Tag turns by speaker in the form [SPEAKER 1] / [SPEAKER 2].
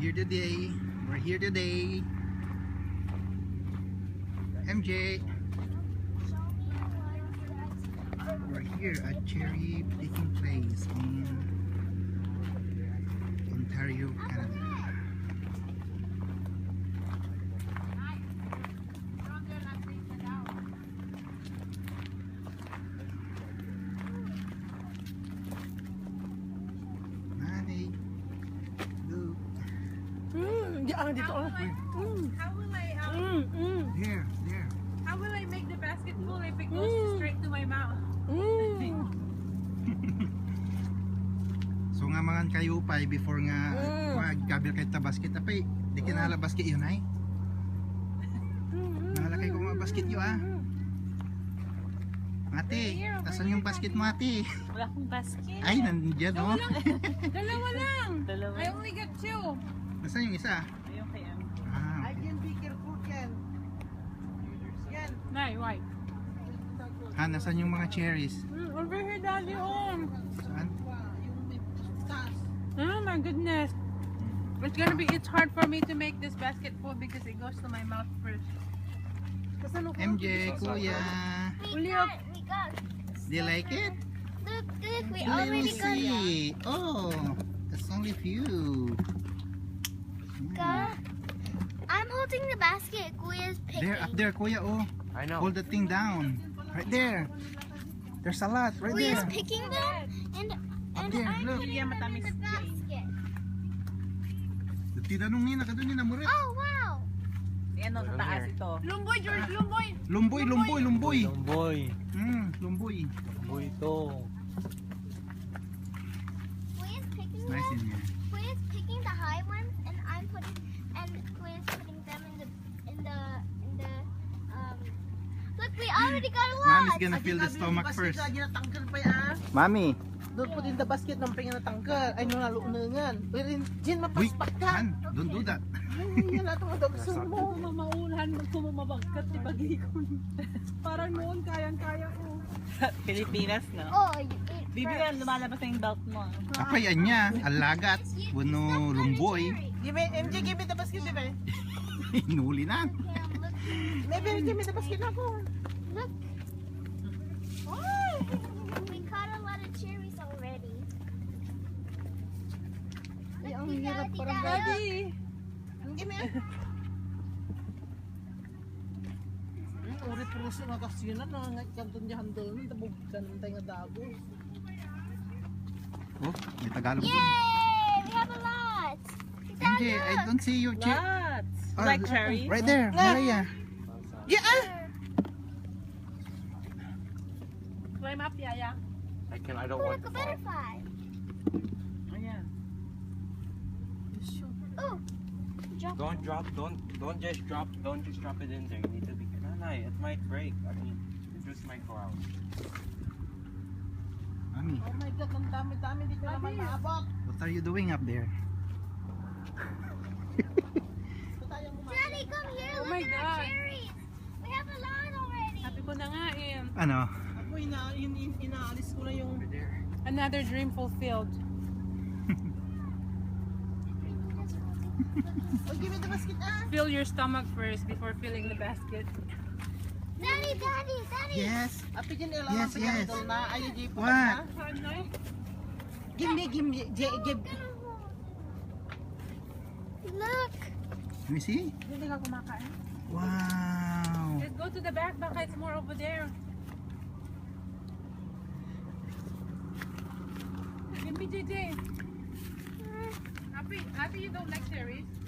[SPEAKER 1] here today. We're here today. MJ. We're here at cherry picking place in Ontario, Canada.
[SPEAKER 2] Dito.
[SPEAKER 3] How will I
[SPEAKER 1] There.
[SPEAKER 3] how will I make the basket full if it goes straight to my mouth?
[SPEAKER 1] So nga mga kayo pa before nga magkabil kay ta basket apay di kinala basket yun ay. Nakalakay ko mga basket yun ah. Ate, tasan yung basket mo ate?
[SPEAKER 2] Wala akong basket.
[SPEAKER 1] Ay, nandiyan oh.
[SPEAKER 3] Dalawa lang.
[SPEAKER 2] Dalawa.
[SPEAKER 3] I only got 2.
[SPEAKER 1] Nasaan yung isa?
[SPEAKER 2] Ayun kay Em.
[SPEAKER 1] Ah, okay.
[SPEAKER 4] Be careful, Ken. Yan.
[SPEAKER 3] Nay, why?
[SPEAKER 1] Ha, nasaan yung mga cherries?
[SPEAKER 3] Over here, Daddy. Oh.
[SPEAKER 1] Saan?
[SPEAKER 4] Yung may taas.
[SPEAKER 3] Oh my goodness. It's hard for me to make this basket full because it goes to my mouth first.
[SPEAKER 1] MJ, kuya.
[SPEAKER 5] We got.
[SPEAKER 1] Do you like it?
[SPEAKER 5] Look, we
[SPEAKER 1] Let
[SPEAKER 5] already
[SPEAKER 1] me
[SPEAKER 5] got.
[SPEAKER 1] see. Oh, that's only few.
[SPEAKER 5] Got. I'm holding the basket. Kuya's picking.
[SPEAKER 1] There, up there, kuya. Oh,
[SPEAKER 6] I know.
[SPEAKER 1] hold the thing down. Right there. There's a lot right
[SPEAKER 5] Kuya's
[SPEAKER 1] there.
[SPEAKER 5] picking them, and
[SPEAKER 1] there,
[SPEAKER 5] I'm
[SPEAKER 1] look.
[SPEAKER 5] putting them in the basket.
[SPEAKER 1] Tinanong niya na kadun niya na murit.
[SPEAKER 5] Oh wow!
[SPEAKER 2] Yan o, sa taas ito.
[SPEAKER 3] Lumboy, George, lumboy.
[SPEAKER 1] Lumboy.
[SPEAKER 6] Boy.
[SPEAKER 1] Lumboy
[SPEAKER 6] Boy ito.
[SPEAKER 5] Kuya's picking
[SPEAKER 1] nice in
[SPEAKER 5] them.
[SPEAKER 1] here.
[SPEAKER 5] Kuya's picking the high ones, and Kuya's putting them in the. Look, we already got a lot.
[SPEAKER 1] Mommy's gonna fill the stomach first.
[SPEAKER 4] Lagi natanggal pa yan.
[SPEAKER 1] Mommy.
[SPEAKER 4] Doon po din the basket ng pinga natanggal. Ay, nung naluunangan. Pero Jen,
[SPEAKER 1] Wait,
[SPEAKER 4] mapaspak ka.
[SPEAKER 1] Han, don't do that.
[SPEAKER 4] Ay, yan natin ang dagsan mo.
[SPEAKER 3] Mamaulahan, magkumamabagkat, ibagikon. Parang noon, kayang-kaya ko.
[SPEAKER 2] Pilipinas, no?
[SPEAKER 5] Oh, you eat
[SPEAKER 2] Bibilan,
[SPEAKER 5] first.
[SPEAKER 2] lumalabas na yung belt mo.
[SPEAKER 1] Apa yan niya, alagat, buno lumboy.
[SPEAKER 4] Give me, MJ, give me the basket, bebe.
[SPEAKER 1] Inuli na.
[SPEAKER 4] Maybe give me the basket na po.
[SPEAKER 5] Look. We caught a lot of cherries already.
[SPEAKER 4] Ay, ang
[SPEAKER 5] Look,
[SPEAKER 4] hirap
[SPEAKER 5] Daddy,
[SPEAKER 4] parang
[SPEAKER 5] Daddy.
[SPEAKER 4] Give me. Uri puruso nga kasi yun na nga kanton diyan doon tabog kanantay nga dagos.
[SPEAKER 1] Oh, may Tagalog doon.
[SPEAKER 5] Yay! We have a lot.
[SPEAKER 1] MJ, I don't see your cherry.
[SPEAKER 2] Lots! Like cherries?
[SPEAKER 1] Right there, Maria.
[SPEAKER 3] Climb up, Yaya.
[SPEAKER 6] I don't
[SPEAKER 5] Oh,
[SPEAKER 6] want
[SPEAKER 5] look, a
[SPEAKER 6] to fall.
[SPEAKER 5] butterfly.
[SPEAKER 2] Ayan.
[SPEAKER 5] Oh,
[SPEAKER 6] Don't just drop it in there. You need to be careful. No, it might break. I mean, it just might go out.
[SPEAKER 1] Mami,
[SPEAKER 4] Oh my God, ang dami-dami di ko naman maabot.
[SPEAKER 1] what are you doing up there?
[SPEAKER 5] Daddy, come here.
[SPEAKER 3] Oh
[SPEAKER 5] Look
[SPEAKER 3] my
[SPEAKER 5] at
[SPEAKER 3] God.
[SPEAKER 5] our cherries. We have a lot already.
[SPEAKER 3] Sabi ko na nga eh.
[SPEAKER 1] Ano?
[SPEAKER 4] Ako inaalis ko na yung
[SPEAKER 3] Another dream fulfilled.
[SPEAKER 4] Oh, give me the basket
[SPEAKER 3] Fill your stomach first before filling the basket.
[SPEAKER 5] Daddy.
[SPEAKER 1] Yes.
[SPEAKER 4] Ate Jen, ilang
[SPEAKER 1] Yes, yes.
[SPEAKER 4] na. Ay, Jen,
[SPEAKER 1] What?
[SPEAKER 4] Give me, give.
[SPEAKER 5] Look.
[SPEAKER 1] Let me see.
[SPEAKER 3] Hindi ka kumakain.
[SPEAKER 1] Wow.
[SPEAKER 3] Let's go to the back. Baka it's more over there. Give me JJ. Happy you don't like cherries?